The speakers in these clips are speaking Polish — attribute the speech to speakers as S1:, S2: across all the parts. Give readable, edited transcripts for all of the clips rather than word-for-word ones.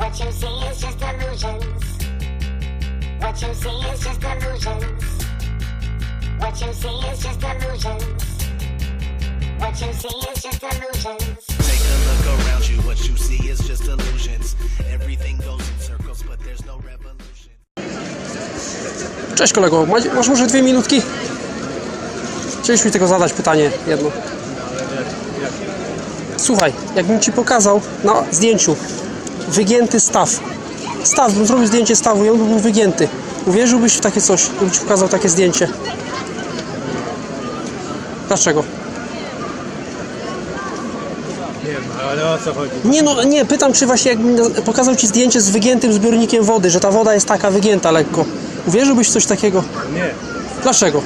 S1: What you see is just illusions. What you see is just illusions. What you see is just illusions. What you see is just illusions.
S2: Take a look around you. What you see is just illusions. Everything goes in circles, but there's no revolution.
S3: Cześć kolego, masz może 2 minutki? Chcieliśmy tylko zadać pytanie jedno. Słuchaj, jakbym ci pokazał na zdjęciu wygięty staw. Bym zrobił zdjęcie stawu i on by był wygięty. Uwierzyłbyś w takie coś, gdybym ci pokazał takie zdjęcie? Dlaczego?
S4: Nie wiem, ale o co chodzi?
S3: Nie, pytam, czy właśnie jakbym pokazał ci zdjęcie z wygiętym zbiornikiem wody, że ta woda jest taka wygięta lekko. Uwierzyłbyś w coś takiego?
S4: Nie,
S3: Dlaczego?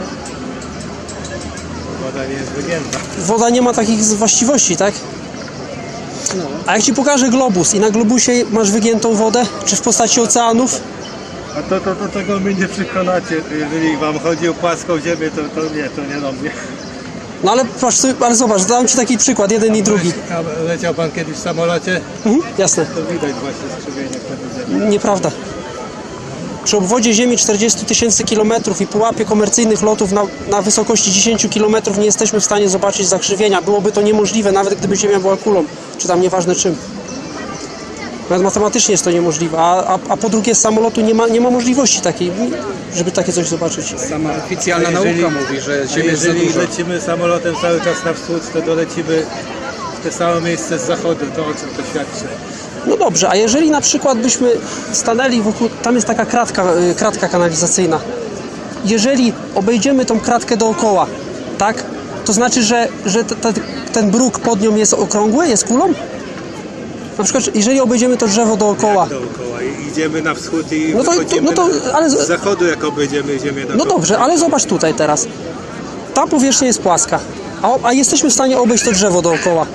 S4: woda nie jest wygięta.
S3: Woda nie ma takich właściwości, tak? A jak ci pokażę globus i na globusie masz wygiętą wodę, czy w postaci oceanów?
S4: A to tego mnie nie przekonacie. Jeżeli wam chodzi o płaską ziemię, to nie do mnie.
S3: No ale patrz, ale zobacz, dałem ci taki przykład, jeden i drugi.
S4: A leciał pan kiedyś w samolocie?
S3: Jasne.
S4: To widać właśnie skrzywienie wtedy ziemi.
S3: Nieprawda. Przy obwodzie Ziemi 40 000 kilometrów i pułapie komercyjnych lotów na wysokości 10 km nie jesteśmy w stanie zobaczyć zakrzywienia. Byłoby to niemożliwe, nawet gdyby Ziemia była kulą, czy tam nieważne czym. Nawet matematycznie jest to niemożliwe, a po drugie z samolotu nie ma możliwości takiej, żeby takie coś zobaczyć.
S5: Sama oficjalna nauka mówi, że Ziemia jest za
S4: Jeżeli
S5: duża.
S4: lecimy samolotem cały czas na wschód, to dolecimy w te same miejsce z zachodu. To o czym to świadczy?
S3: No dobrze, a jeżeli na przykład byśmy stanęli wokół, tam jest taka kratka kanalizacyjna. Jeżeli obejdziemy tą kratkę dookoła, tak? To znaczy, że ten bruk pod nią jest okrągły, jest kulą? Na przykład, jeżeli obejdziemy to drzewo dookoła.
S4: Dookoła i idziemy na wschód i
S3: No to-
S4: wychodzimy
S3: no to- ale-
S4: z zachodu, jak obejdziemy ziemię dookoła.
S3: No dobrze, ale zobacz tutaj teraz. Ta powierzchnia jest płaska, a jesteśmy w stanie obejść to drzewo dookoła.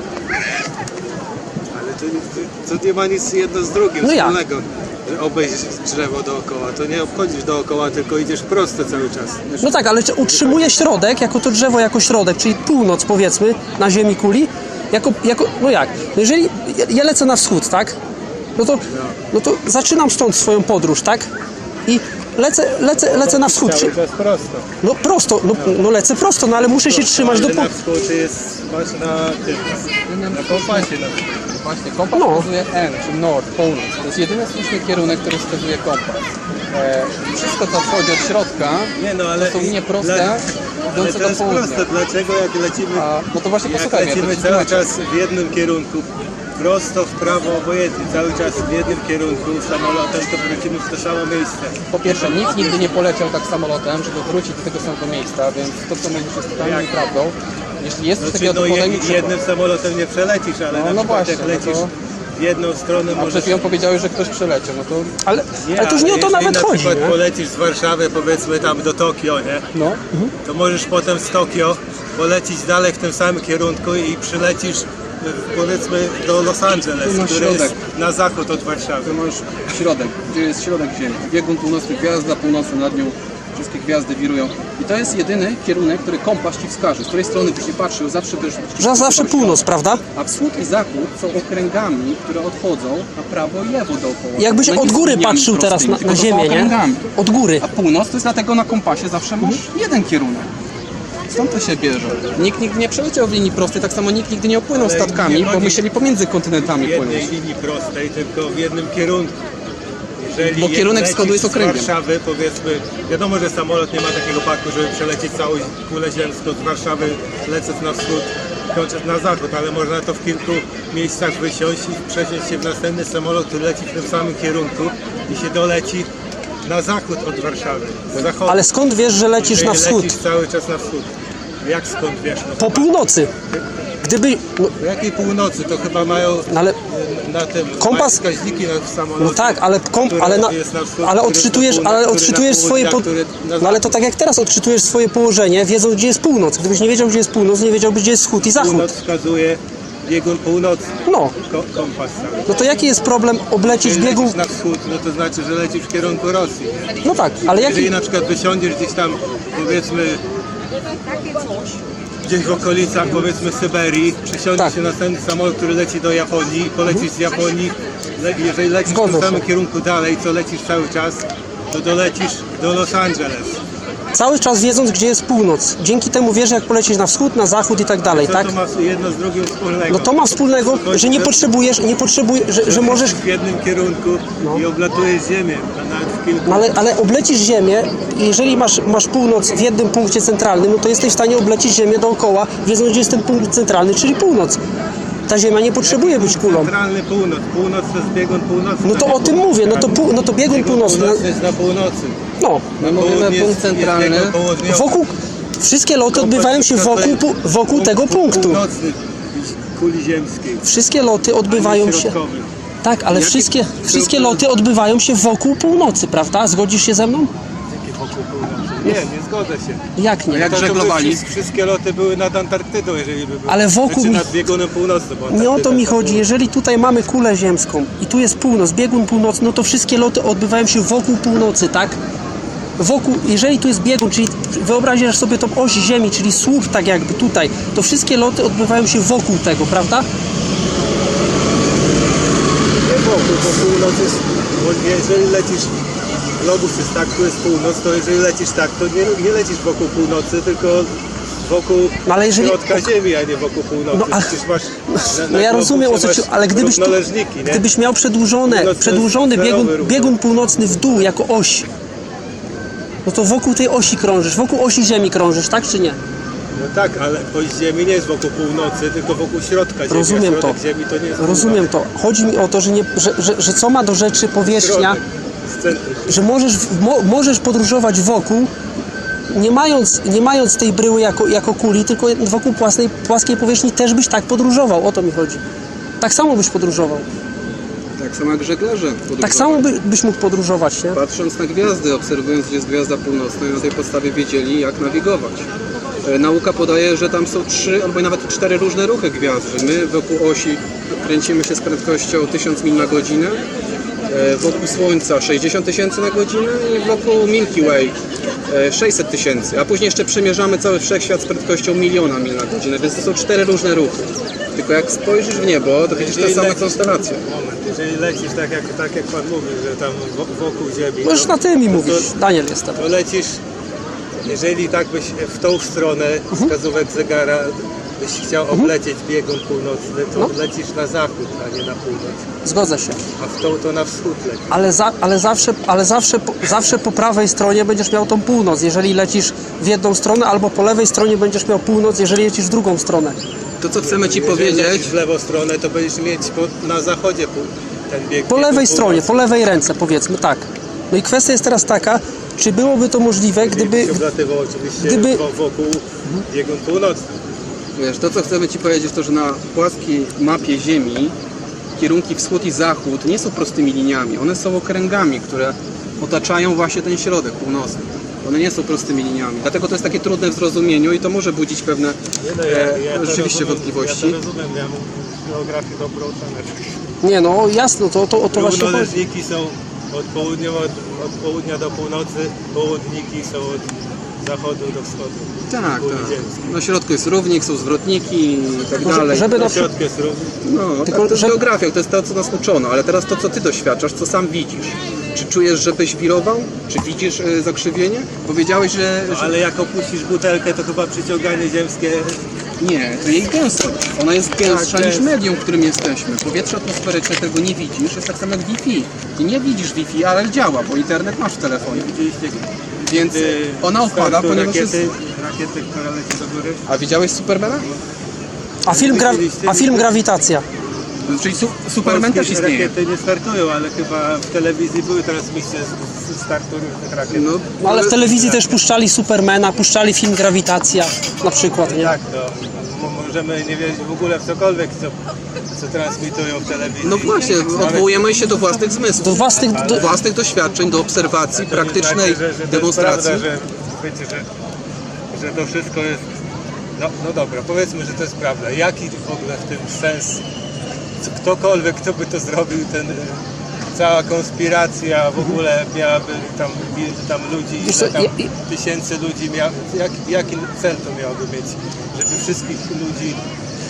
S4: Ale to nie ma nic jedno z drugim
S3: No jak?
S4: wspólnego, że obejść drzewo dookoła. To nie obchodzisz dookoła, tylko idziesz prosto cały czas.
S3: No tak, ale utrzymuje środek, jako to drzewo jako środek, czyli północ powiedzmy, na ziemi kuli, no jak? No jeżeli ja lecę na wschód, tak? No to zaczynam stąd swoją podróż, tak? I lecę na wschód.
S4: Cały czas prosto.
S3: No prosto, no lecę prosto, no ale muszę się trzymać do...
S4: Ale na wschód masz na kompasie.
S5: Właśnie, kompas
S3: No.
S5: wskazuje N, czy Nord, północ. To jest jedyny słuszny kierunek, który wskazuje kompas. Wszystko, co wchodzi od środka,
S4: Nie, no, ale
S5: to są nieproste,
S4: ale
S5: idące
S4: to
S5: do
S4: jest
S5: południa.
S4: proste. Dlaczego jak lecimy,
S5: No to właśnie posłuchaj mnie,
S4: lecimy
S5: to ci
S4: cały
S5: tłumaczę.
S4: czas w jednym kierunku, prosto w prawo, obojętnie, cały czas w jednym kierunku samolotem, to wrócimy w to samo miejsce.
S5: Po pierwsze, nikt nigdy nie poleciał tak samolotem, żeby wrócić do tego samego miejsca, więc to, co mówisz, jest totalnie nieprawdą. Jeśli jest coś takiego, to podaj mi przykład.
S4: jednym samolotem nie przelecisz, ale na
S5: No
S4: przykład
S5: właśnie,
S4: jak
S5: no
S4: lecisz
S5: to-
S4: w jedną stronę
S5: A przed
S4: możesz...
S5: chwilą powiedziałeś, że ktoś przeleciał, no to...
S3: Ale to już nie o to
S4: jeżeli
S3: nawet
S4: na
S3: chodzi,
S4: przykład
S3: nie?
S4: polecisz z Warszawy, powiedzmy tam do Tokio, nie?
S5: No.
S4: To możesz potem z Tokio polecić dalej w tym samym kierunku i przylecisz powiedzmy do Los Angeles,
S5: Tu masz
S4: który jest
S5: środek.
S4: na zachód od Warszawy.
S5: Tu masz środek, gdzie jest środek Ziemi. Biegun północny, gwiazda północna nad nią, wszystkie gwiazdy wirują. I to jest jedyny kierunek, który kompas ci wskaże. Z której strony byś nie patrzył, zawsze będziesz...
S3: Zawsze północ, prawda?
S5: A wschód i zachód są okręgami, które odchodzą na prawo i lewo dookoła.
S3: Jakbyś
S5: No nie
S3: od
S5: są
S3: góry
S5: liniami
S3: patrzył teraz
S5: prostymi,
S3: na
S5: tylko to są
S3: ziemię, nie?
S5: okręgami.
S3: Od góry.
S5: A północ to jest dlatego na kompasie zawsze masz jeden kierunek. Stąd to się bierze. Nikt nigdy nie przeleciał w linii prostej, tak samo nikt nigdy nie opłynął
S4: Ale
S5: statkami,
S4: nie
S5: bo
S4: chodzi
S5: musieli pomiędzy kontynentami
S4: W jednej
S5: płynąć.
S4: linii prostej, tylko w jednym kierunku. Jeżeli
S5: Bo kierunek
S4: lecisz
S5: wschodu jest okręgiem.
S4: Z Warszawy, powiedzmy, wiadomo, że samolot nie ma takiego paku, żeby przelecieć całą kulę ziemską z Warszawy, lecąc na wschód, kończąc na zachód, ale można to w kilku miejscach wysiąść i przesiąść się w następny samolot, który leci w tym samym kierunku i się doleci na zachód od Warszawy. Z zachodu.
S3: Ale skąd wiesz, że lecisz na
S4: Jeżeli
S3: wschód?
S4: Lecisz cały czas na wschód. Jak skąd wiesz? No,
S3: Po północy. Gdyby... No,
S4: po jakiej północy? To chyba mają
S3: ale...
S4: na tym
S3: Kompas-
S4: wskaźniki na samolocie.
S3: No tak, ale
S4: jest na wschód,
S3: ale
S4: który
S3: odczytujesz,
S4: na północ,
S3: ale
S4: który
S3: odczytujesz
S4: na
S3: swoje...
S4: południe, który na
S3: No ale to tak jak teraz odczytujesz swoje położenie, wiedząc gdzie jest północ. Gdybyś nie wiedział gdzie jest północ, nie wiedziałbyś gdzie jest wschód i zachód.
S4: Północ wskazuje biegun północny.
S3: No,
S4: Kompas cały.
S3: no to jaki jest problem oblecić
S4: Jeżeli
S3: biegun...
S4: lecisz na wschód, no to znaczy, że lecisz w kierunku Rosji. Nie?
S3: No tak, ale jaki...
S4: Jeżeli na przykład wysiądziesz gdzieś tam, powiedzmy, gdzieś w okolicach, powiedzmy, Syberii, przesiądziesz
S3: Tak.
S4: się na następny samolot, który leci do Japonii, polecisz z Japonii jeżeli lecisz w
S3: Zgodzę
S4: tym
S3: się.
S4: samym kierunku dalej, co lecisz cały czas, to dolecisz do Los Angeles.
S3: Cały czas wiedząc, gdzie jest północ. Dzięki temu wiesz, jak polecieć na wschód, na zachód i tak dalej,
S4: Co
S3: tak?
S4: to ma jedno z drugim wspólnego?
S3: No to ma wspólnego, że nie potrzebujesz, że możesz...
S4: w jednym kierunku i oblatujesz Ziemię, a nawet w kilku.
S3: No ale oblecisz Ziemię i jeżeli masz północ w jednym punkcie centralnym, no to jesteś w stanie oblecić Ziemię dookoła, wiedząc, gdzie jest ten punkt centralny, czyli północ. Ta Ziemia nie potrzebuje być kulą.
S4: Centralny północ. Północ to jest biegun północny.
S3: No to o tym mówię, no to biegun północny.
S4: jest na północy.
S3: No,
S5: My mówimy
S4: Południe
S5: punkt centralny.
S4: jest biegun południowy.
S3: wokół... Wszystkie loty odbywają się wokół tego punktu.
S4: Północny kuli ziemskiej.
S3: Wszystkie loty odbywają się...
S4: Środkowy.
S3: Tak, ale wszystkie loty odbywają się wokół północy, prawda? Zgodzisz się ze mną?
S4: Jakie wokół północy? Nie zgodzę się.
S3: Jak nie?
S5: Jak
S4: To by
S5: żeglowali?
S4: Wszystkie loty były nad Antarktydą, jeżeli by były.
S3: Ale wokół
S4: Znaczy
S3: mi-
S4: nad biegunem północnym. bo
S3: Nie o to
S4: Antarktyda
S3: mi
S4: to
S3: chodzi.
S4: było-
S3: Jeżeli tutaj mamy kulę ziemską i tu jest północ, biegun północny, no to wszystkie loty odbywają się wokół północy, tak? Jeżeli tu jest biegun, czyli wyobraźcie sobie tą oś Ziemi, czyli słup tak jakby tutaj, to wszystkie loty odbywają się wokół tego, prawda?
S4: Nie wokół, bo północ jest... Bo jeżeli lecisz... Globus jest tak, tu jest północ, to jeżeli lecisz tak, to nie lecisz wokół północy, tylko wokół
S3: No ale jeżeli-
S4: środka Ziemi, a nie wokół północy.
S3: No, ale-
S4: Przecież masz...
S3: No ja rozumiem o co ci, ale
S4: równoleżniki, nie?
S3: gdybyś miał
S4: Północ to
S3: przedłużony
S4: jest zerowy ruch.
S3: biegun północny w dół jako oś, no to wokół tej osi krążysz, wokół osi Ziemi krążysz, tak czy nie?
S4: No tak, ale oś Ziemi nie jest wokół północy, tylko wokół środka Ziemi.
S3: Rozumiem
S4: a
S3: to.
S4: środek Ziemi to nie jest
S3: Rozumiem to. Chodzi mi o to, że co ma do rzeczy powierzchnia,
S4: Z centrum.
S3: że możesz podróżować wokół, nie mając tej bryły jako kuli, tylko wokół płaskiej powierzchni też byś tak podróżował. O to mi chodzi. Tak samo byś podróżował.
S5: Tak samo jak żeglarze.
S3: Tak samo byś mógł podróżować, nie?
S5: Patrząc na gwiazdy, obserwując, gdzie jest gwiazda północna i na tej podstawie wiedzieli, jak nawigować. Nauka podaje, że tam są 3 albo nawet 4 różne ruchy gwiazd, że my wokół osi kręcimy się z prędkością 1000 mil na godzinę, wokół Słońca 60 tysięcy na godzinę i wokół Milky Way 600 tysięcy, a później jeszcze przemierzamy cały wszechświat z prędkością 1 000 000 mil na godzinę, więc to są 4 różne ruchy. Tylko jak spojrzysz w niebo, to widzisz te same konstelacje.
S4: Moment, jeżeli lecisz tak jak Pan mówi, że tam wokół Ziemi,
S3: Możesz na ty mi mówić. Daniel jestem.
S4: to lecisz, jeżeli tak byś w tą stronę wskazówek zegara byś chciał oblecieć biegun północny, to lecisz na zachód, a nie na północ.
S3: Zgodzę się.
S4: A w tą to na wschód lecisz.
S3: Ale zawsze po prawej stronie będziesz miał tą północ, jeżeli lecisz w jedną stronę, albo po lewej stronie będziesz miał północ, jeżeli lecisz w drugą stronę.
S5: To co chcemy Ci
S4: Jeżeli
S5: powiedzieć,
S4: lecisz w lewą stronę, to będziesz mieć na zachodzie ten bieg.
S3: Po lewej
S4: biegun
S3: stronie,
S4: północny.
S3: po lewej ręce, powiedzmy tak. No i kwestia jest teraz taka, czy byłoby to możliwe, gdyby...
S4: Się oblatywał oczywiście
S3: gdyby-
S4: wokół biegun północny.
S5: wiesz, to co chcemy Ci powiedzieć, to że na płaskiej mapie Ziemi kierunki wschód i zachód nie są prostymi liniami, one są okręgami, które otaczają właśnie ten środek północny. One nie są prostymi liniami, dlatego to jest takie trudne w zrozumieniu i to może budzić pewne
S4: to
S5: rzeczywiście
S4: rozumiem,
S5: wątpliwości.
S4: Ja to rozumiem, ja mam geografię dobrą ocenę.
S3: Nie no, jasno, to właśnie chodzi.
S4: Równoleżniki są od południa do północy, południki są od zachodu do wschodu.
S5: Tak,
S4: Kuli
S5: tak.
S4: ziemskiej.
S5: Na środku jest równik, są zwrotniki i tak dalej.
S3: żeby
S4: Na
S3: na przykład...
S4: środku jest równik.
S5: No,
S3: Tylko,
S5: tak, to jest
S3: żeby-
S5: geografia, to jest to, co nas uczono, ale teraz to, co Ty doświadczasz, co sam widzisz. Czy czujesz, że byś wirował? Czy widzisz zakrzywienie? Powiedziałeś, że...
S4: Ale jak opuścisz butelkę, to chyba przyciąganie ziemskie...
S5: Nie, to jej gęstość. Ona jest gęstsza
S4: Tak,
S5: niż
S4: jest.
S5: medium, w którym jesteśmy. Powietrze atmosferyczne, tego nie widzisz, jest tak samo jak Wi-Fi. Ty nie widzisz Wi-Fi, ale działa, bo internet masz w telefonie.
S4: Widzieliście,
S5: Więc
S4: gdy
S5: ona opada,
S4: startu
S5: ponieważ jest...
S4: rakiety, która leci do góry.
S5: A widziałeś Supermana?
S3: A film Grawitacja.
S5: Czyli Superman też
S4: Polskie
S5: istnieje.
S4: rakiety nie startują, ale chyba w telewizji były transmisje z startu różnych rakiet.
S5: No,
S3: No ale w telewizji też puszczali Supermana, puszczali film Grawitacja na przykład, nie?
S4: Jak to? Możemy nie wierzyć w ogóle w cokolwiek, co transmitują w telewizji.
S5: no właśnie, odwołujemy się do własnych zmysłów.
S3: Do własnych...
S5: Do własnych doświadczeń, do obserwacji,
S4: To nie
S5: praktycznej
S4: znaczy, że to
S5: demonstracji.
S4: jest prawda, wiecie, że to wszystko jest... No dobra, powiedzmy, że to jest prawda. Jaki w ogóle w tym sens? Ktokolwiek, kto by to zrobił, cała konspiracja w ogóle miałaby tam ludzi,
S3: Wiesz co,
S4: ile tam
S3: ja-
S4: tysięcy ludzi jaki cel to miałoby mieć? Żeby wszystkich ludzi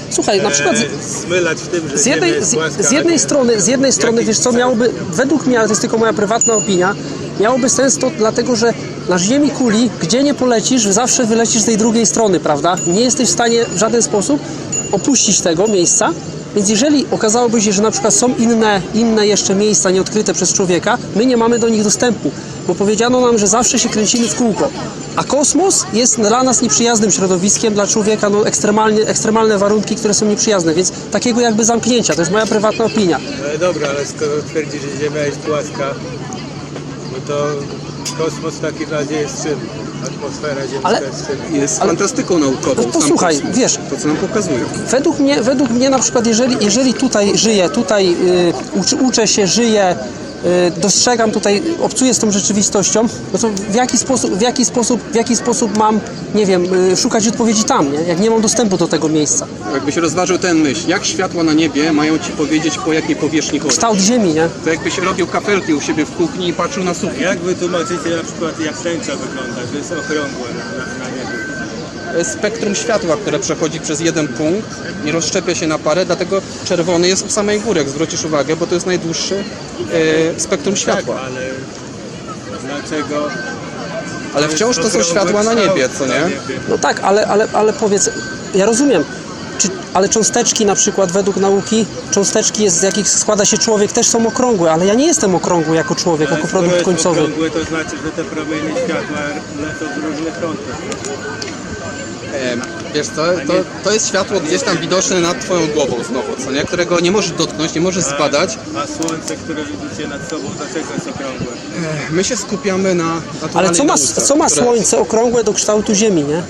S3: Słuchaj, na przykład
S4: smylać w tym, że
S3: z
S4: Ziemia
S3: jednej,
S4: jest płaska,
S3: z jednej strony, wiesz co, miałoby, według mnie, ale to jest tylko moja prywatna opinia, miałoby sens to dlatego, że na Ziemi kuli, gdzie nie polecisz, zawsze wylecisz z tej drugiej strony, prawda? Nie jesteś w stanie w żaden sposób opuścić tego miejsca, więc jeżeli okazałoby się, że na przykład są inne jeszcze miejsca nieodkryte przez człowieka, my nie mamy do nich dostępu, bo powiedziano nam, że zawsze się kręcimy w kółko, a kosmos jest dla nas nieprzyjaznym środowiskiem, dla człowieka no, ekstremalne warunki, które są nieprzyjazne, więc takiego jakby zamknięcia, to jest moja prywatna opinia.
S4: Ale dobra, ale skoro twierdzi, że Ziemia jest płaska, no to kosmos w takim razie jest czym? Atmosfera ziemska
S3: Ale-
S4: jest czym?
S5: Jest fantastyką naukową.
S3: No,
S5: sam
S3: posłuchaj,
S5: kosmos.
S3: wiesz,
S5: To, co nam pokazują.
S3: Według mnie na przykład, jeżeli tutaj żyję, tutaj uczę się, żyję, dostrzegam tutaj, obcuję z tą rzeczywistością, no to w jaki sposób mam, nie wiem, szukać odpowiedzi tam, nie? Jak nie mam dostępu do tego miejsca.
S5: Jakbyś rozważył ten myśl, jak światła na niebie mają ci powiedzieć, po jakiej powierzchni chodzi?
S3: Kształt Ziemi, nie?
S5: To jakbyś robił kafelki u siebie w kuchni i patrzył na sufit.
S4: Jak wy tłumaczycie na przykład, jak tęcza wygląda, że jest okrągła na niebie?
S5: Spektrum światła, które przechodzi przez jeden punkt, nie rozszczepia się na parę, dlatego czerwony jest u samej góry, jak zwrócisz uwagę, bo to jest najdłuższy spektrum światła.
S4: Tak, ale dlaczego?
S5: Ale wciąż to są
S4: okrągły
S5: światła na
S4: kształt
S5: niebie, co nie?
S3: No tak, ale powiedz, ja rozumiem, ale cząsteczki na przykład według nauki, cząsteczki z jakich składa się człowiek też są okrągłe, ale ja nie jestem okrągły jako człowiek, jako
S4: Skoro
S3: produkt
S4: jest
S3: końcowy.
S4: okrągłe, to znaczy, że te promienie światła lecą w różnych kątach.
S5: Wiesz co, to jest światło gdzieś tam widoczne nad twoją głową znowu, co nie? Którego nie możesz dotknąć, nie możesz zbadać.
S4: A słońce, które widzicie nad sobą, dlaczego jest okrągłe?
S5: My się skupiamy na
S3: Ale
S5: naturalnej nauce,
S3: co ma
S5: które-
S3: Słońce okrągłe do kształtu Ziemi, nie?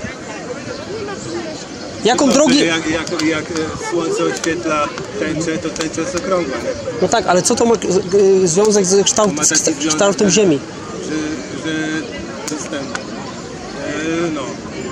S3: Jaką
S4: To,
S3: drogi...
S4: Jak słońce oświetla tęczę, to tęcza jest okrągła, nie?
S3: No tak, ale co to ma związek z
S4: Ma taki związek,
S3: kształtem Ziemi?
S4: Że system, no,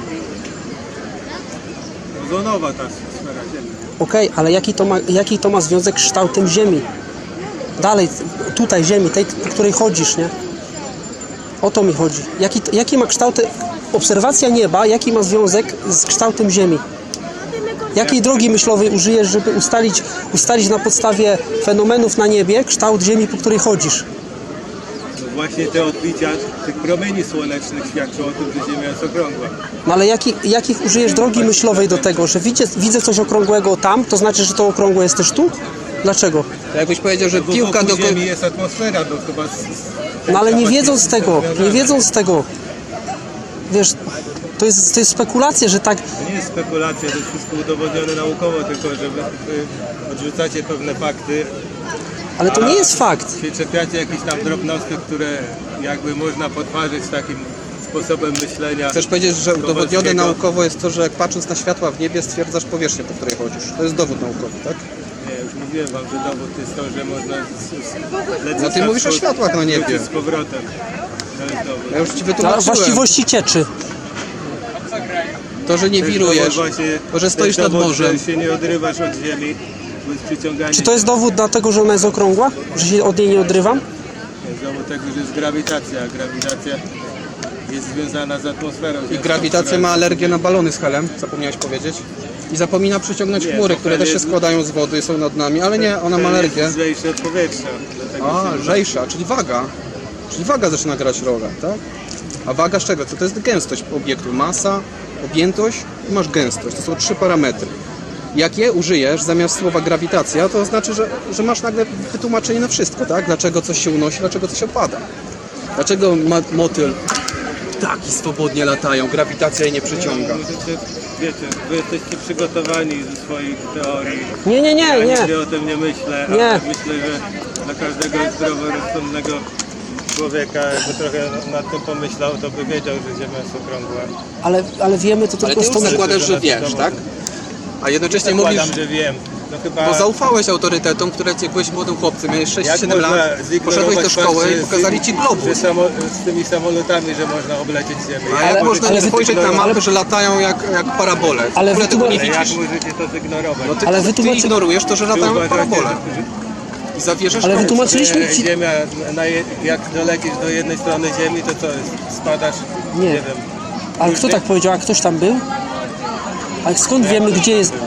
S4: ozonowa ta sfera Ziemi.
S3: Okej, ale jaki to ma związek z kształtem Ziemi? Dalej, tutaj Ziemi, tej, po której chodzisz, nie? O to mi chodzi. Jaki ma kształt... Obserwacja nieba, jaki ma związek z kształtem Ziemi? Jakiej drogi myślowej użyjesz, żeby ustalić na podstawie fenomenów na niebie kształt Ziemi, po której chodzisz?
S4: No właśnie te odbicia tych promieni słonecznych świadczą o tym, że Ziemia jest okrągła.
S3: No ale jakich użyjesz drogi myślowej do tego, że widzę coś okrągłego tam, to znaczy, że to okrągłe jest też tu? Dlaczego?
S5: To jakbyś powiedział, że
S4: Bo
S5: piłka
S4: wokół
S5: do
S4: Ziemi jest atmosfera, bo chyba...
S3: No ale nie wiedząc tego, wiesz, to jest spekulacja, że tak...
S4: To nie jest spekulacja, to jest wszystko udowodnione naukowo, tylko że wy odrzucacie pewne fakty,
S3: Ale to nie jest fakt.
S4: się czepiacie jakichś tam drobnostek, które jakby można podważyć takim sposobem myślenia.
S5: Chcesz powiedzieć, że udowodnione
S4: Kowalskiego.
S5: naukowo jest to, że jak patrząc na światła w niebie stwierdzasz powierzchnię, po której chodzisz. To jest dowód naukowy, tak?
S4: Nie, już mówiłem wam, że dowód jest to, że można lecieć
S5: No ty
S4: na
S5: mówisz o
S4: wschód,
S5: światłach na niebie.
S4: wrócić z powrotem. To jest dowód.
S5: Ja już ci
S3: Na
S5: wytłumaczyłem.
S3: właściwości cieczy.
S5: To, że nie
S4: To jest
S5: wirujesz,
S4: dowód właśnie-
S5: to, że stoisz
S4: to jest
S5: nad
S4: dowód,
S5: morzem.
S4: że się nie odrywasz od ziemi, bo jest przyciąganie.
S3: Czy to jest dowód dlatego, że ona jest okrągła? Że się od niej nie odrywam?
S4: Jest dowód tego, że jest grawitacja, a grawitacja jest związana z atmosferą.
S5: I grawitacja ma alergię na balony z helem, zapomniałeś powiedzieć. I zapomina przyciągnąć
S4: Nie,
S5: chmury,
S4: to
S5: które
S4: hel
S5: też się
S4: jest-
S5: składają z wody i są nad nami, ale nie, ona ma alergię.
S4: Jest lżejsze od powietrza. Dlatego
S5: A,
S4: się-
S5: lżejsza, czyli waga. Czyli waga zaczyna grać rolę, tak? A waga z czego? Co to jest gęstość obiektu? Masa, objętość i masz gęstość. To są 3 parametry. Jak je użyjesz zamiast słowa grawitacja, to znaczy, że masz nagle wytłumaczenie na wszystko, tak? Dlaczego coś się unosi, dlaczego coś opada. Dlaczego motyl ptaki swobodnie latają, grawitacja jej nie przyciąga.
S4: Możecie, wiecie, wy jesteście przygotowani ze swoich teorii.
S3: Nie.
S4: Ja nigdy o tym nie myślę,
S3: Nie.
S4: ale myślę, że dla każdego zdroworozsądnego człowieka, jakby trochę nad tym pomyślał, to by wiedział, że Ziemia jest okrągła.
S3: Ale wiemy to
S5: Ale
S3: tylko
S5: ty
S3: z
S5: już
S3: tą...
S5: zakładasz, że wiesz, tak? A jednocześnie mówisz,
S4: Zakładam, że wiem. No chyba
S5: bo zaufałeś autorytetom, które jak byłeś młodym chłopcem, miałeś 6-7
S4: można
S5: lat,
S4: zignorować
S5: poszedłeś do szkoły
S4: fakt,
S5: i
S4: że
S5: pokazali ci globus.
S4: że z tymi samolotami, że można oblecieć Ziemię.
S5: A jak można nie
S3: wy-
S5: spojrzeć na
S3: ale-
S5: mapę, że latają jak parabole?
S3: Ale
S5: w ogóle tego nie
S4: Ale jak
S5: widzisz.
S4: możecie to zignorować?
S5: No ty,
S3: Ale
S5: ty
S3: wytłumaczy-
S5: ignorujesz to, że
S4: Czy
S5: latają jak
S4: uważacie,
S5: parabole.
S4: że-
S5: I zawierzasz
S3: Ale
S5: komuś.
S3: wytłumaczyliśmy ci...
S4: Ziemia, jak dolecisz do jednej strony Ziemi, to co jest? Spadasz?
S3: Nie.
S4: Nie wiem.
S3: Ale kto tak powiedział? A ktoś tam był? A skąd wiemy, gdzie jest...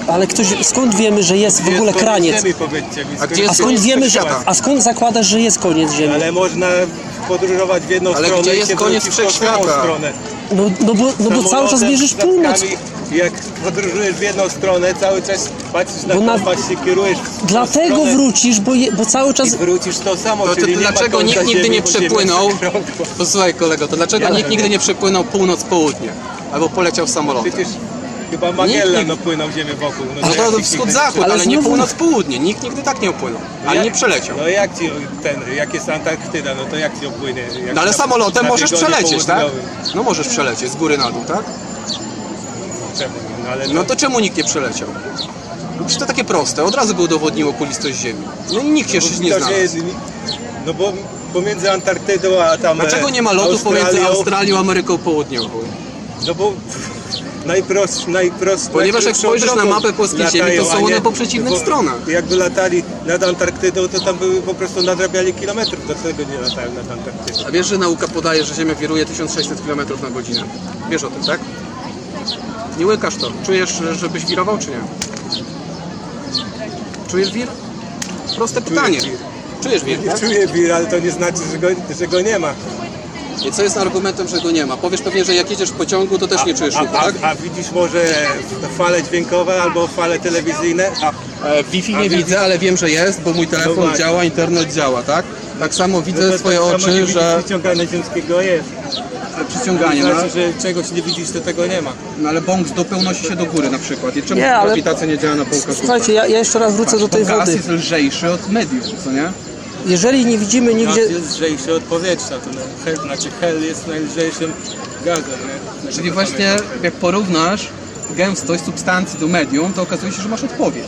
S3: Ale skąd wiemy, że jest w ogóle
S4: Jest koniec
S3: kraniec?
S4: Ziemi, powiedzcie mi,
S5: A gdzie jest
S3: A skąd
S5: koniec
S3: wiemy, że,
S5: wszechświata?
S3: a skąd zakładasz, że jest koniec Ziemi?
S4: Ale można podróżować w jedną
S5: Ale
S4: stronę
S5: gdzie
S4: i
S5: jest
S4: się
S5: koniec
S4: wróci w tą samą
S5: wszechświata?
S4: stronę.
S3: No bo cały czas
S4: Samolotem,
S3: mierzysz północ.
S4: statkami, Jak podróżujesz w jedną stronę, cały czas patrzysz na
S3: Bo na-
S4: kompas, się kierujesz w tą
S3: Dlatego
S4: stronę
S3: wrócisz, bo cały czas...
S4: i wrócisz to samo,
S5: To
S4: czyli nie ma
S5: dlaczego
S4: końca
S5: nikt nigdy
S4: Ziemi,
S5: nie
S4: bo Ziemia
S5: przepłynął?
S4: jest okrągła.
S5: Posłuchaj kolego, to dlaczego nikt nigdy nie przepłynął północ-południe? Albo poleciał samolotem?
S4: Przecież chyba Magellan
S5: Nikt-
S4: opłynął Ziemię wokół.
S5: No
S4: jak
S5: to
S4: ci
S5: wschód-zachód,
S3: Ale
S5: ale nie
S3: znowu-
S5: północ-południe. Nikt nigdy tak nie upłynął. Ani nie przeleciał.
S4: No jak ci jak jest Antarktyda, no to jak ci opłynie? Jak
S5: No ale
S4: na-
S5: samolotem
S4: na
S5: możesz
S4: biegunie
S5: przelecieć, tak?
S4: południowym.
S5: No możesz przelecieć z góry na dół, tak?
S4: Czemu? No, ale
S5: No to czemu nikt nie przeleciał? Przecież to takie proste, od razu by udowodniło okulistość Ziemi. No i nikt się jeszcze nie
S4: to, że
S5: znalazł.
S4: jest, no bo pomiędzy Antarktydą a tam
S5: Dlaczego nie ma lotów pomiędzy Australią a Ameryką Południową?
S4: No bo najprostsze.
S5: Ponieważ jak spojrzysz na mapę polskiej ziemi, to są one po przeciwnych stronach.
S4: Jakby latali nad Antarktydą, to tam były po prostu nadrabiali kilometrów, do tego nie latają nad Antarktydą.
S5: A wiesz, że nauka podaje, że Ziemia wiruje 1600 km na godzinę? Wiesz o tym, tak? Nie łykasz to. Czujesz, żebyś wirował, czy nie? Czujesz wir? Proste pytanie.
S4: wir.
S5: Czujesz wir, tak?
S4: Czuję wir, ale to nie znaczy, że go nie ma.
S5: I co jest argumentem, że go nie ma? Powiesz pewnie, że jak jedziesz w pociągu, to też nie czujesz ruchu, tak?
S4: A widzisz może fale dźwiękowe albo fale telewizyjne?
S5: Wi-Fi nie widzę, ale wiem, że jest, bo mój telefon
S4: właśnie.
S5: działa, internet działa, tak? Tak samo widzę
S4: No to
S5: swoje
S4: tak samo nie
S5: oczy,
S4: widzisz
S5: że
S4: przyciągania ziemskiego jest.
S5: przyciąganie, no,
S4: Znaczy, że czegoś nie widzisz, to tego nie ma.
S5: no ale bąk z dupy unosi się do góry na przykład. I czemu
S3: Nie, ale-
S5: grawitacja nie działa na bąka z dupy?
S3: Słuchajcie, ja jeszcze raz wrócę do tej
S5: Bo gaz
S3: wody.
S5: jest lżejszy od medium, co nie?
S3: Jeżeli nie widzimy
S4: Gaz
S3: nigdzie...
S4: jest lżejszy od powietrza, to hel jest najlżejszym gazem. Nie?
S5: Czyli właśnie jak porównasz gęstość substancji do medium, to okazuje się, że masz odpowiedź.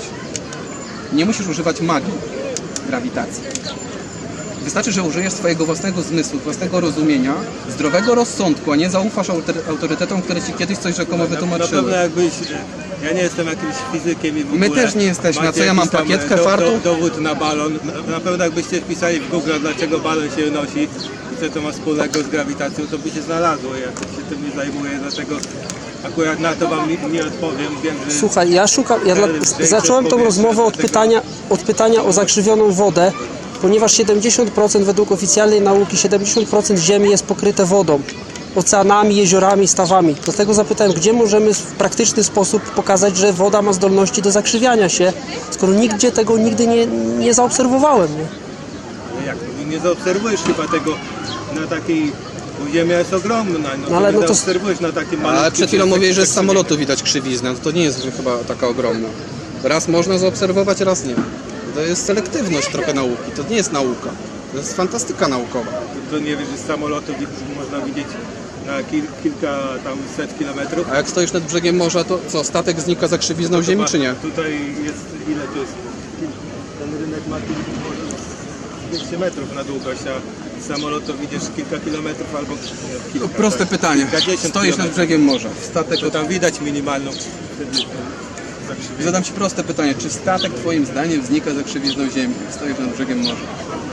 S5: Nie musisz używać magii grawitacji. Wystarczy, że użyjesz swojego własnego zmysłu, własnego rozumienia, zdrowego rozsądku, a nie zaufasz autorytetom, które ci kiedyś coś rzekomo
S4: Na
S5: wytłumaczyły.
S4: pewno jakbyś, ja nie jestem jakimś fizykiem i w
S5: My
S4: ogóle
S5: też nie jesteśmy. A
S4: macie
S5: co ja mam,
S4: jakiś tam
S5: plakietkę, fartuch?
S4: dowód na balon. Na pewno jakbyście wpisali w Google, dlaczego balon się nosi i co to ma wspólnego z grawitacją, to by się znalazło. Ja się tym nie zajmuję, dlatego akurat na to wam nie odpowiem. Wiem, że
S3: Słuchaj, zacząłem tą rozmowę od pytania o zakrzywioną wodę, ponieważ 70% według oficjalnej nauki, 70% Ziemi jest pokryte wodą, oceanami, jeziorami, stawami. Dlatego zapytałem, gdzie możemy w praktyczny sposób pokazać, że woda ma zdolności do zakrzywiania się, skoro nigdzie tego nigdy nie zaobserwowałem. Nie?
S4: jak nie zaobserwujesz chyba tego na takiej, bo Ziemia jest ogromna,
S3: No ale
S4: nie
S3: no to-
S4: zaobserwujesz na takim malutkim...
S5: Ale przed chwilą
S4: przestrzeni,
S5: mówiłeś, że z
S4: tak
S5: samolotu widać krzywiznę. To nie jest chyba taka ogromna. Raz można zaobserwować, raz nie. To jest selektywność trochę nauki. To nie jest nauka. To jest fantastyka naukowa.
S4: To nie wiesz, że z samolotu można widzieć na kilka tam set kilometrów.
S5: A jak stoisz nad brzegiem morza, to co, statek znika za krzywizną Ziemi, czy nie?
S4: Tutaj jest, ile to jest? Ten rynek ma może 200 metrów na długość, a z samolotu widzisz kilka kilometrów albo kilka.
S5: To proste
S4: tak,
S5: pytanie.
S4: kilkadziesiąt
S5: Stoisz nad
S4: kilometrów.
S5: brzegiem morza. Statek
S4: To tam widać minimalną wtedy zakrzywienie.
S5: Zadam Ci proste pytanie. Czy statek Twoim zdaniem znika za krzywizną Ziemi, jak stoisz nad brzegiem morza?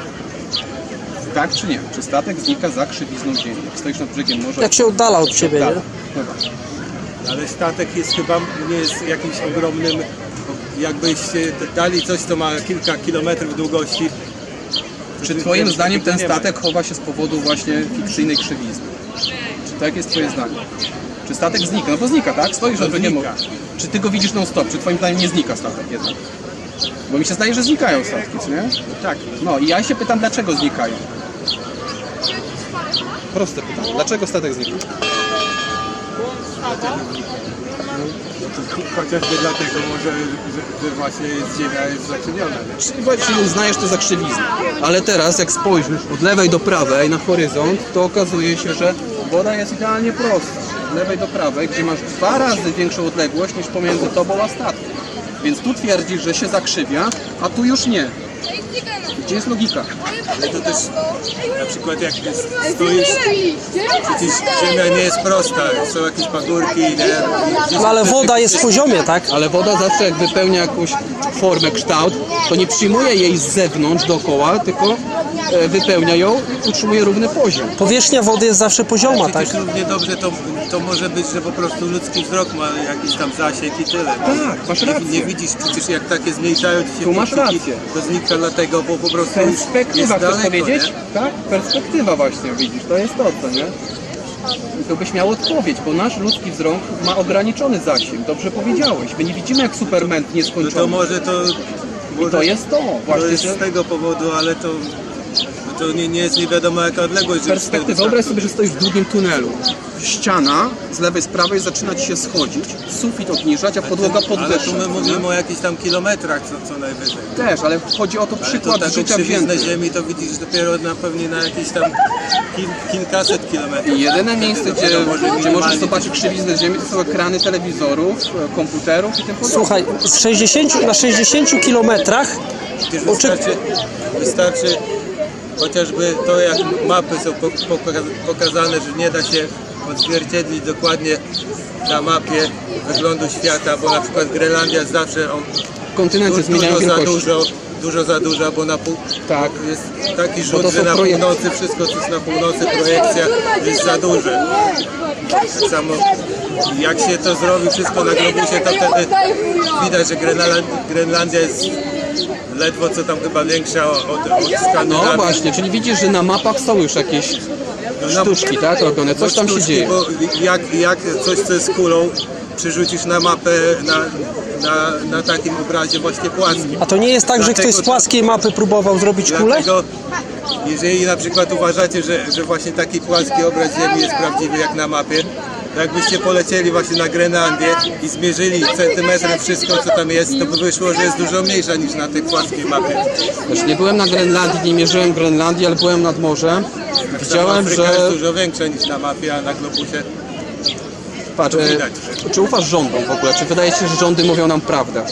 S5: Tak czy nie? Czy statek znika za krzywizną Ziemi, jak stoisz nad brzegiem morza?
S3: Jak się oddala od Ciebie, nie?
S5: Dobra.
S4: Ale statek jest chyba, nie jest jakimś ogromnym, jakbyście dali coś, co ma kilka kilometrów długości.
S5: Czy Twoim
S4: Wiem,
S5: zdaniem
S4: tego
S5: ten
S4: nie ma.
S5: statek chowa się z powodu właśnie fikcyjnej krzywizny? Czy tak jest Twoje zdanie? Czy statek znika? No bo znika, tak? Stoisz nad brzegiem
S4: znika.
S5: morza. Czy Ty go widzisz non-stop? Czy Twoim zdaniem nie znika statek jednak? Bo mi się zdaje, że znikają statki, co nie?
S4: Tak,
S5: No i ja się pytam, dlaczego znikają? Proste pytanie. Dlaczego statek znika?
S4: chociażby dlatego może, że właśnie Ziemia jest zakrzywiona. nie?
S5: Czyli uznajesz to za krzywiznę. Ale teraz, jak spojrzysz od lewej do prawej na horyzont, to okazuje się, że woda jest idealnie prosta. Od lewej do prawej, gdzie masz 2 razy większą odległość niż pomiędzy tobą a statkiem. Więc tu twierdzisz, że się zakrzywia, a tu już nie. Gdzie jest logika?
S4: Ale to też na przykład jak stoisz, przecież Ziemia nie jest prosta, są jakieś pagórki, nie?
S3: No ale woda jest w poziomie, tak?
S5: Ale woda zawsze jak wypełnia jakąś formę, kształt, To nie przyjmuje jej z zewnątrz dookoła, tylko wypełnia ją i utrzymuje równy poziom.
S3: Powierzchnia wody jest zawsze pozioma, tak?
S4: Przecież równie dobrze to może być, że po prostu ludzki wzrok ma jakiś tam zasięg i tyle.
S5: Tak, masz rację.
S4: Nie widzisz, przecież jak takie zmniejszają ci się
S5: Tu masz
S4: punkciki,
S5: rację.
S4: to znika dlatego, bo po prostu
S5: Perspektywa,
S4: jest
S5: chcesz
S4: daleko,
S5: powiedzieć?
S4: nie?
S5: Tak, perspektywa właśnie, widzisz, to jest to, co nie? I to byś miał odpowiedź, bo nasz ludzki wzrok ma ograniczony zasięg, dobrze powiedziałeś. My nie widzimy jak Superman
S4: No
S5: nieskończony.
S4: to może to...
S5: I to jest to,
S4: To
S5: właśnie,
S4: jest
S5: że
S4: z tego powodu, ale to nie jest nie wiadomo jaka odległość. żeby
S5: perspektywa.
S4: wtedy
S5: Wyobraź sobie, że stoisz w długim tunelu. Ściana z lewej, z prawej zaczyna ci się schodzić, sufit obniżać, a podłoga
S4: Ale tu
S5: podwyższać.
S4: my mówimy o jakichś tam kilometrach co najwyżej.
S5: Też, ale chodzi o to
S4: Ale to
S5: przykład
S4: taką
S5: życia
S4: krzywiznę
S5: wzięty.
S4: ziemi to widzisz dopiero pewnie na jakieś tam kilkaset kilometrów.
S5: I jedyne miejsce,
S4: Dopiero
S5: gdzie możesz
S4: minimalnie.
S5: zobaczyć krzywiznę ziemi, to są ekrany telewizorów, komputerów i tym podobne.
S3: Słuchaj, na 60 kilometrach
S4: Przecież wystarczy chociażby to, jak mapy są pokazane, że nie da się odzwierciedlić dokładnie na mapie wyglądu świata, bo na przykład Grenlandia zawsze
S5: Kontynenty zmieniają wielkość.
S4: dużo za dużo, bo na pół
S5: Tak.
S4: jest taki
S5: Bo to
S4: rzut, że
S5: są
S4: na
S5: projekcje.
S4: północy wszystko, co jest na północy, projekcja jest za duże. Tak samo jak się to zrobi wszystko na globusie, to wtedy widać, że Grenlandia jest ledwo co tam chyba większa od Skandynawii.
S5: No właśnie, czyli widzisz, że na mapach są już jakieś sztuczki, tak, robione, coś tam się
S4: Sztuczki,
S5: dzieje.
S4: Bo jak coś, co jest kulą, przerzucisz na mapę na takim obrazie właśnie płaskim.
S3: A to nie jest tak, że ktoś z
S4: Dlatego-
S3: płaskiej mapy próbował zrobić kulę?
S4: Dlatego, jeżeli na przykład uważacie, że właśnie taki płaski obraz Ziemi jest prawdziwy jak na mapie, to jakbyście polecieli właśnie na Grenlandię i zmierzyli centymetrem wszystko, co tam jest, to by wyszło, że jest dużo mniejsza niż na tej płaskiej mapie.
S5: Też nie byłem na Grenlandii, nie mierzyłem Grenlandii, ale byłem nad morzem. Widziałem,
S4: Afryka
S5: że...
S4: jest dużo większa niż na mapie, a na globusie
S5: Patrz,
S4: to widać.
S5: czy ufasz rządom w ogóle? Czy wydaje ci się, że rządy mówią nam prawdę?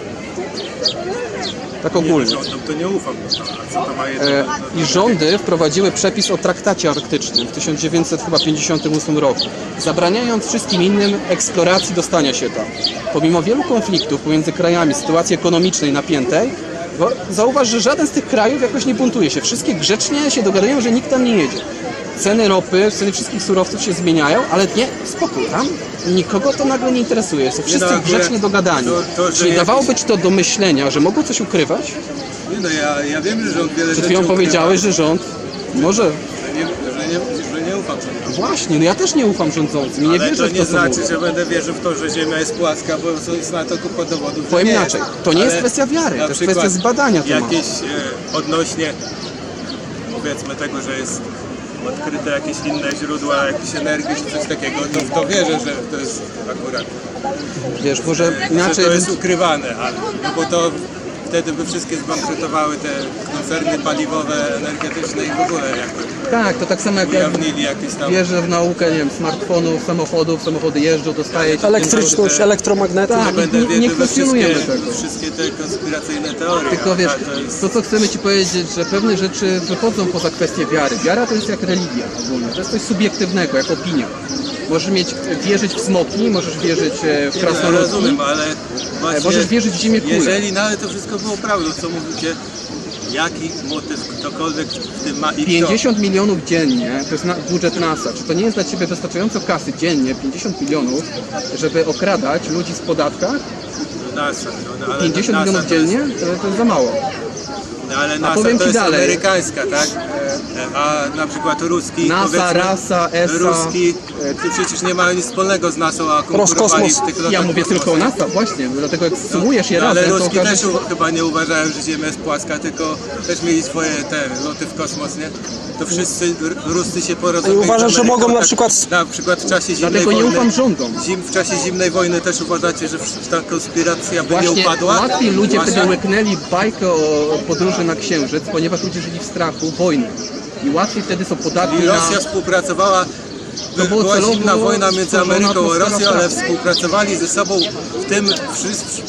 S5: Tak ogólnie.
S4: rządom to nie ufam. A co to ma jedno?
S5: I rządy wprowadziły przepis o traktacie arktycznym w 1958 roku, zabraniając wszystkim innym eksploracji dostania się tam. Pomimo wielu konfliktów pomiędzy krajami, sytuacji ekonomicznej napiętej, zauważ, że żaden z tych krajów jakoś nie buntuje się. Wszystkie grzecznie się dogadują, że nikt tam nie jedzie. Ceny ropy, ceny wszystkich surowców się zmieniają, ale nie, spokój, tam nikogo to nagle nie interesuje. Są wszyscy
S4: akurat
S5: grzecznie dogadani.
S4: że
S5: Czyli
S4: jakiś-
S5: dawałoby ci to do myślenia, że mogą coś ukrywać?
S4: Nie no, ja wiem, że rząd wiele
S5: Przed
S4: rzeczy
S5: chwilą
S4: ukrywa,
S5: powiedziałeś, że rząd może...
S4: że nie ufam rządom.
S5: Właśnie, no ja też nie ufam rządzącym i nie
S4: Ale
S5: wierzę
S4: to
S5: w
S4: nie
S5: to, co
S4: znaczy,
S5: mówią.
S4: że będę wierzył w to, że Ziemia jest płaska, bo jest na to kupa dowodów. że
S5: Powiem
S4: nie
S5: inaczej,
S4: jest.
S5: to nie jest
S4: Ale
S5: kwestia wiary,
S4: na
S5: to jest
S4: przykład
S5: kwestia zbadania tematu.
S4: jakieś odnośnie, powiedzmy tego, że jest odkryte jakieś inne źródła jakiejś energii czy coś takiego, to w to wierzę, że to jest akurat,
S5: Wiesz, może
S4: że
S5: inaczej...
S4: to jest ukrywane, ale, no bo to wtedy by wszystkie zbankrutowały te koncerny paliwowe, energetyczne i w ogóle jakby
S5: Tak, to tak samo jak ja
S4: ujawnili jakieś tam...
S5: wierzę w naukę, nie wiem, smartfonów, samochodów, samochody jeżdżą, dostaje się...
S3: Elektryczność, elektromagnetyzm.
S5: Tak,
S4: Będę
S5: nie
S4: wierzył we
S5: kwestionujemy tego.
S4: wszystkie te konspiracyjne teorie.
S5: Tylko wiesz,
S4: a to jest...
S5: to co chcemy Ci powiedzieć, że pewne rzeczy wychodzą poza kwestię wiary. Wiara to jest jak religia ogólnie, to jest coś subiektywnego, jak opinia. Możesz wierzyć w smoki, możesz wierzyć w
S4: No,
S5: krasnoludki,
S4: rozumiem, ale właśnie
S5: możesz wierzyć w ziemię kulę.
S4: jeżeli nawet to wszystko było prawdą, co mówicie, jaki motyw ktokolwiek w tym ma i
S5: 50 milionów dziennie, to jest budżet NASA. Czy to nie jest dla Ciebie wystarczająco kasy dziennie, 50 milionów, żeby okradać ludzi z podatkach?
S4: kto? NASA, no, ale
S5: 50
S4: NASA
S5: milionów
S4: to jest-
S5: dziennie? To jest za mało.
S4: No, ale NASA
S5: powiem
S4: to
S5: ci
S4: jest
S5: dalej.
S4: amerykańska, tak? A na przykład ruski,
S5: NASA,
S4: powiedzmy,
S5: RASA, ESA.
S4: ruski, to przecież nie mają nic wspólnego z NASA, a konkurowali
S3: Roskosmos.
S4: w tych lotach
S5: Ja mówię tylko o
S4: kosmosu.
S5: NASA, właśnie, dlatego jak sumujesz je
S4: No, ale
S5: razem, to
S4: Ruski
S5: okaże
S4: też
S5: się...
S4: chyba nie uważają, że Ziemia jest płaska, tylko też mieli swoje te loty w kosmos, nie? To wszyscy Ruscy się porozumieli.
S3: I uważasz,
S4: z
S3: że
S4: Ameryką,
S3: mogą na
S4: tak,
S3: przykład-
S4: Na przykład w czasie zimnej
S5: Dlatego nie
S4: wojny.
S5: ufam rządom.
S4: W czasie zimnej wojny też uważacie, że ta konspiracja by nie
S5: Właśnie
S4: upadła?
S5: łatwiej ludzie
S4: Właśnie-
S5: wtedy łyknęli bajkę o podróży na Księżyc, ponieważ ludzie żyli w strachu wojny. I łatwiej wtedy są podatni
S4: I
S5: na...
S4: Rosja współpracowała,
S5: To było
S4: była
S5: celowo
S4: zimna wojna między
S5: stworzona
S4: Ameryką a
S5: atmosfera
S4: Rosją, ale
S5: strachu.
S4: współpracowali ze sobą w tym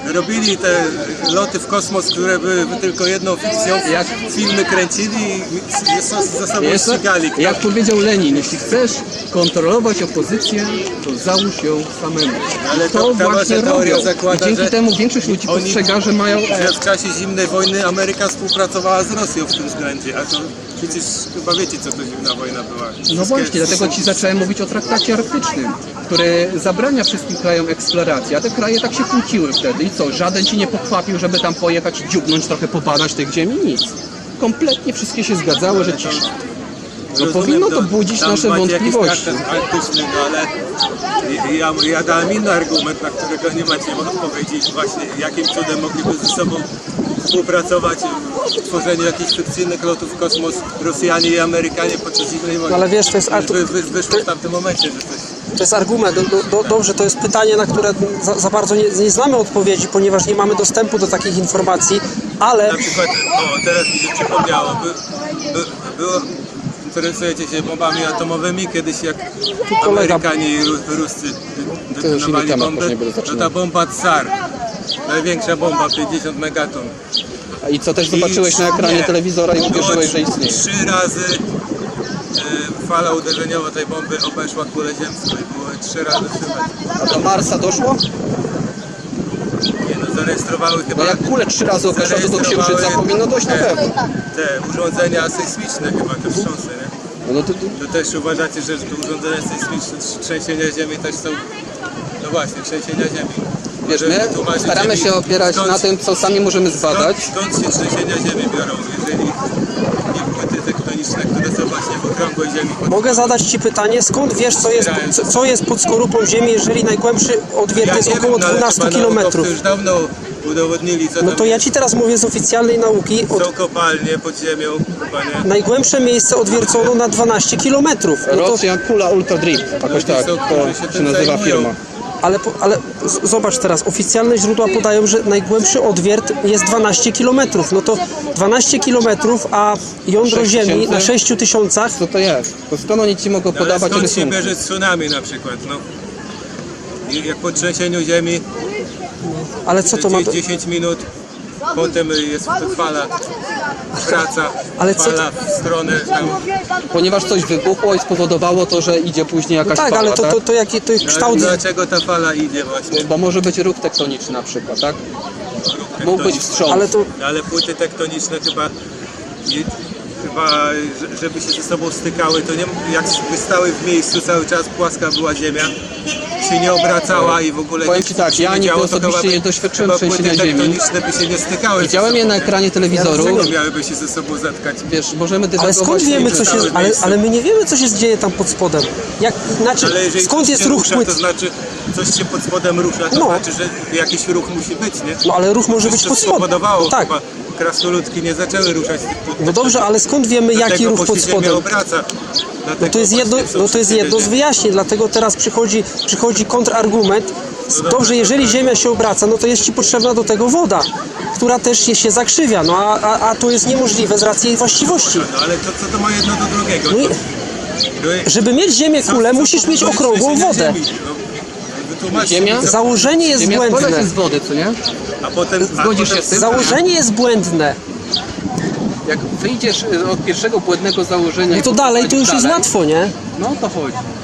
S4: robili te loty w kosmos, które były tylko jedną fikcją,
S5: Jak-
S4: filmy kręcili i ze sobą ścigali.
S5: Jak powiedział Lenin, jeśli chcesz kontrolować opozycję, to załóż ją samemu.
S4: Ale
S5: To
S4: ta
S5: właśnie
S4: wasza teoria
S5: robią.
S4: zakłada,
S5: I dzięki
S4: że
S5: temu większość ludzi
S4: oni-
S5: postrzega, że mają...
S4: że w czasie zimnej wojny Ameryka współpracowała z Rosją w tym względzie, a to przecież chyba wiecie, co to zimna wojna była.
S5: No
S4: Wszystkie-
S5: właśnie, dlatego ci zacząłem mówić o traktacie arktycznym, który zabrania wszystkim krajom eksploracji, a te kraje tak się kłóciły wtedy. I co, żaden ci nie pochwapił, żeby tam pojechać, dziubnąć, trochę pobadać tych ziemi? Nic. Kompletnie wszystkie się zgadzały, że cisza. No
S4: Rozumiem,
S5: powinno to budzić
S4: tam
S5: nasze
S4: macie
S5: wątpliwości.
S4: jakiś traktat arktyczny, no ale ja dałem inny argument, na którego nie macie odpowiedzi. Właśnie jakim cudem mogliby ze sobą współpracować w tworzeniu jakichś fikcyjnych lotów w kosmos Rosjanie i Amerykanie podczas zimnej wojny.
S3: Ale wiesz, to jest
S4: Wyszło w tamtym momencie, że coś...
S3: To jest argument. Dobrze, to jest pytanie, na które za bardzo nie znamy odpowiedzi, ponieważ nie mamy dostępu do takich informacji, ale
S4: Na przykład, teraz mi się przypomniało, było, interesujecie się bombami atomowymi, kiedyś jak
S3: kolega-
S4: Amerykanie i Ruscy
S5: To już inny
S4: detonowali
S5: temat,
S4: bombę,
S5: może nie będę
S4: to
S5: zaczynał.
S4: ta bomba Tsar, największa bomba, 50 megaton.
S5: I co też zobaczyłeś na ekranie telewizora i uwierzyłeś, że istnieje.
S4: 3 razy fala uderzeniowa tej bomby obeszła kulę ziemską i było 3 razy słychać.
S5: A do Marsa doszło?
S4: Nie, no, zarejestrowały chyba...
S5: No jak kulę 3 razy obeszła, to do Księżyca powinno dojść na pewno.
S4: Te urządzenia sejsmiczne chyba, te wstrząsy, nie?
S5: No to,
S4: To też uważacie, że te urządzenia sejsmiczne, trzęsienia ziemi też są... No właśnie, trzęsienia ziemi.
S5: wiesz,
S4: Może
S5: my
S4: wytłumaczyć
S5: staramy
S4: mi,
S5: się opierać
S4: skąd-
S5: na tym, co sami możemy zbadać.
S4: Skąd się trzęsienia ziemi biorą, jeżeli nie płyty tektoniczne, które są właśnie w okrągłej ziemi?
S3: mogę zadać Ci pytanie, skąd wiesz, co jest pod skorupą Ziemi, jeżeli najgłębszy odwiert jest około
S4: no, ale
S3: 12
S4: chyba
S3: km?
S4: naukowcy już dawno udowodnili, co
S3: No
S4: tam
S3: to ja Ci teraz mówię z oficjalnej nauki.
S4: są kopalnie pod ziemią, chyba nie?
S3: Najgłębsze miejsce odwiercono na 12 km. No to,
S5: Rosja Kula Ultra Drip, jakoś tak
S4: są, którzy się
S5: to się
S4: tym
S5: nazywa
S4: zajmują.
S5: firma.
S3: ale zobacz teraz, oficjalne źródła podają, że najgłębszy odwiert jest 12 km. No to 12 km, a jądro
S5: 6
S3: Ziemi na
S5: tysięcy?
S3: 6000.
S5: Co to jest? To skąd oni ci mogą
S4: Ale
S5: podawać
S4: skąd się
S5: rysunki?
S4: bierze tsunami na przykład, no? I jak po trzęsieniu ziemi
S3: Ale co to ma do...
S4: 10 minut, potem jest fala, wraca,
S3: Ale co-
S4: fala w stronę tam.
S5: Ponieważ coś wybuchło i spowodowało to, że idzie później jakaś
S3: Tak,
S5: fala,
S3: ale
S5: tak?
S3: to jaki to jest
S4: Ale
S3: kształt...
S4: dlaczego ta fala idzie właśnie?
S5: Bo może być ruch tektoniczny na przykład, tak? Mógł być wstrząs.
S3: Ale to...
S4: Ale płyty tektoniczne chyba, żeby się ze sobą stykały, to nie, jakby stały w miejscu cały czas, płaska była ziemia, się nie obracała i w ogóle
S5: Powiem
S4: nic
S5: ci tak,
S4: się
S5: ja
S4: nie
S5: nigdy
S4: działo, to
S5: osobiście
S4: chyba
S5: nie doświadczyłem
S4: chyba płyty
S5: trzęsienia ziemi.
S4: tektoniczne by się nie stykały.
S5: Widziałem je na ekranie telewizoru.
S4: Dlaczego miałyby się ze sobą zatkać?
S5: Wiesz, możemy
S3: Ale
S5: dywagować.
S3: skąd wiemy, co się...
S4: stały w miejscu.
S3: Ale my nie wiemy, co się dzieje tam pod spodem. Znaczy,
S4: Ale jeżeli
S3: skąd
S4: coś
S3: jest
S4: się
S3: ruch
S4: rusza,
S3: płyt?
S4: to znaczy coś się pod spodem rusza, to
S3: No.
S4: znaczy, że jakiś ruch musi być, nie?
S3: No ale ruch może być
S4: Coś
S3: pod
S4: to
S3: spodem.
S4: spowodowało,
S3: No tak.
S4: chyba krasnoludki nie zaczęły ruszać tych płyt.
S3: No dobrze, ale skąd wiemy, jaki
S4: Dlatego,
S3: ruch
S4: bo
S3: pod
S4: się ziemia
S3: spodem?
S4: obraca.
S3: No to jest jedno z wyjaśnień, dlatego teraz przychodzi kontrargument. Dobrze, jeżeli Ziemia się obraca, no to jest Ci potrzebna do tego woda, która też się zakrzywia, no a to jest niemożliwe z racji jej właściwości.
S4: No ale to co to ma jedno do drugiego?
S3: No i,
S4: To-
S3: żeby mieć Ziemię kulę, musisz mieć
S4: powoduje
S3: okrągłą
S4: trzęsienie
S3: wodę.
S4: ziemi? No, wytłumaczcie
S5: Ziemia?
S4: mi, co-
S3: Założenie jest
S5: Ziemia składa się
S3: błędne.
S5: z wody, co nie?
S4: A potem...
S5: Zgodzisz się z tym?
S3: Założenie jest błędne.
S5: Jak wyjdziesz od pierwszego błędnego założenia...
S3: No
S5: i
S3: to dalej, to już jest
S5: dalej,
S3: łatwo, nie?
S5: No to chodzi.